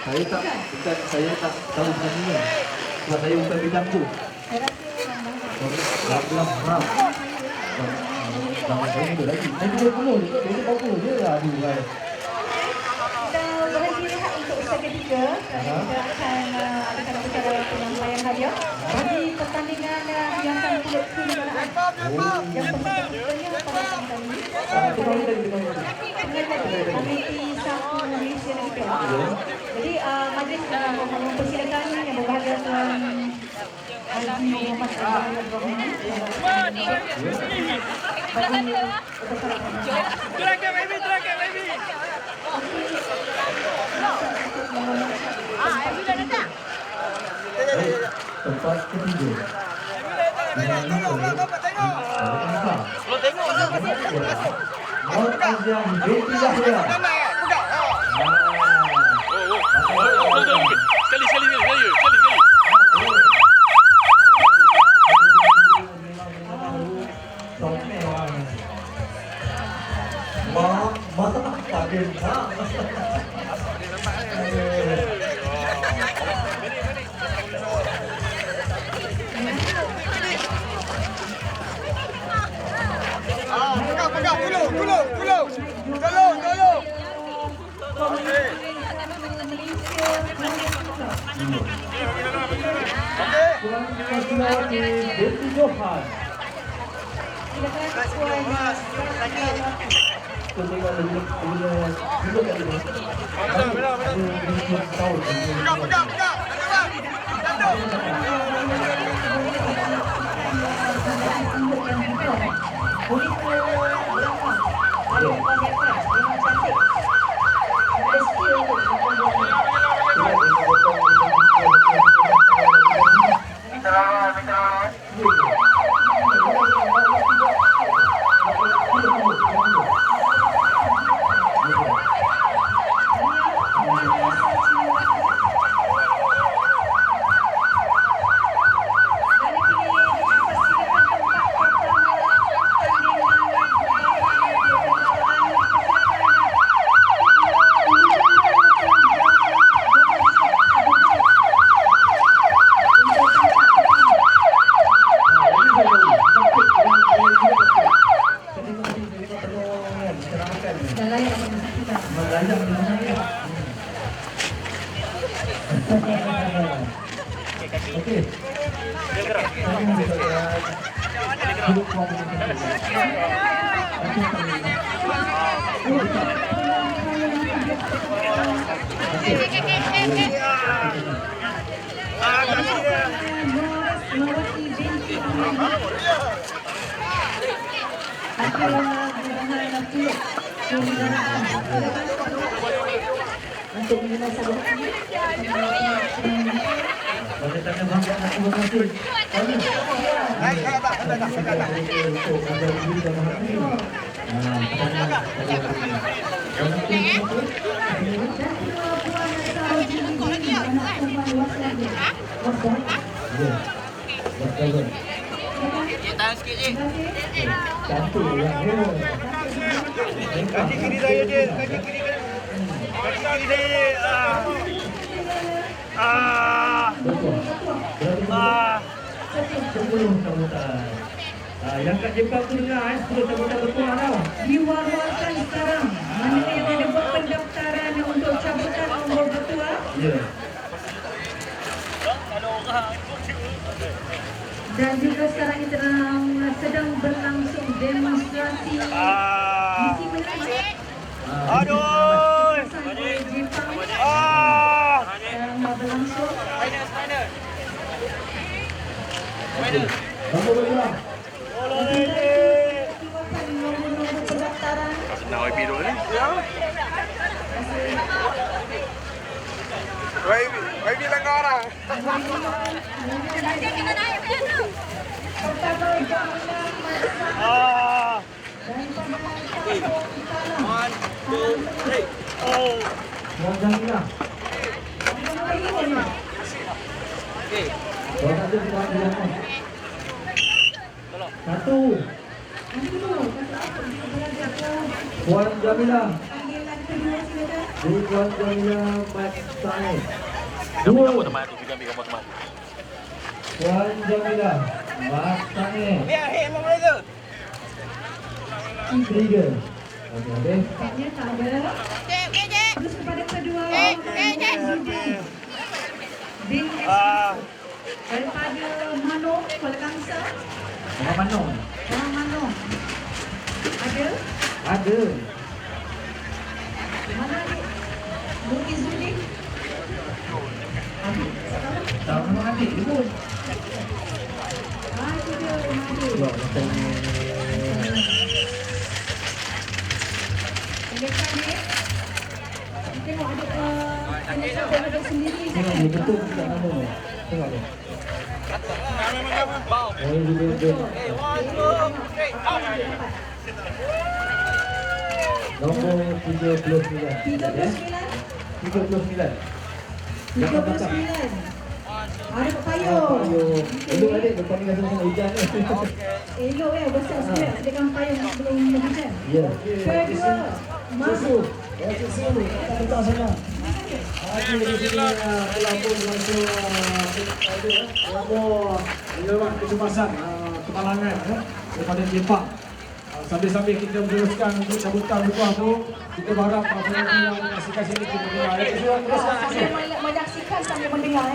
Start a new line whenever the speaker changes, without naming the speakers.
Saya tak tahu sebenarnya. Sebab saya bukan bidang tu. Saya bilang haram. Jangan saya muda lagi. Saya 30 je. Saya 40 je lah. Aduh kan.
Kita berhenti rehat untuk usaha ketiga. Kita akan adakan usaha penyampaian hadiah bagi pertandingan hiasan kulit kenegaraan. Yang pesertanya pada tahun ini Komiti Satu Malaysia Negeri Perak. Jadi majlis mempersilakan yang berbahagia Tuan Haji Muhammad Abdul Rahman.
Terakhir baby. Ibu dah datang.
Tempat ketiga.
Kalau tengok lah.
Mor Aziam binti Zahra.
Sekali. Tolong.
Sulawati binti Johan. Untuk mengenai sahabat
Tahan sikit je.
Kaki kiri saya je, kaki kiri saya.
10 sambutan. Yang kat Jepang tu dengar 10 sambutan berkurang tau.
diwar-warkan sekarang mana yang ada buat pendaftaran untuk cabutan nombor bertuah.
Ya.
Dan juga sekarang ini sedang berlangsung demonstrasi misi menerima
Aduh.
Jepang yang berlangsung.
Nombor berkurang.
Nombor pendaftaran.
Senang YB dulu ni.
YB langgar lah.
Tuan Jamila. Tuan ada di bawah dia. Satu. Tuan Jamila.
kedua silakan.
Di Puan Jamila Mat Said.
Gambar
Dua.
teman tu, gambar teman.
Puan Jamila Mat Said. Tiga. Okey, habis.
Tampaknya tak ada. Terus kepada kedua Bin daripada Manong, Kuala Kangsar.
Orang Manong.
Orang Manong. Ada?
Ada.
Mana adik? Nur Izzuddin.
Tak Manong adik tu pun.
Itu dia rumah dia.
Pula macam
Dekat ni. Tengok ada ada sendiri.
tengok dia betul tak nama ni. Tengok dia. Dia. Nombor 39. 39.
39. Ada Pak Payung.
Elok adik bertandingan sama-sama hujan ni.
Elok besar sikit. Ada kan payung belum hujan.
Ya.
Kedua, masuk.
Betul sana. Haji di sini pelapor langsung pelapor lewat kecemasan kemalangan daripada Jepang. Sambil-sambil kita meneruskan untuk cabutan bukuah tu, kita berharap penonton yang menyaksikan sini kita dengar.
Sambil menyaksikan sambil mendengar.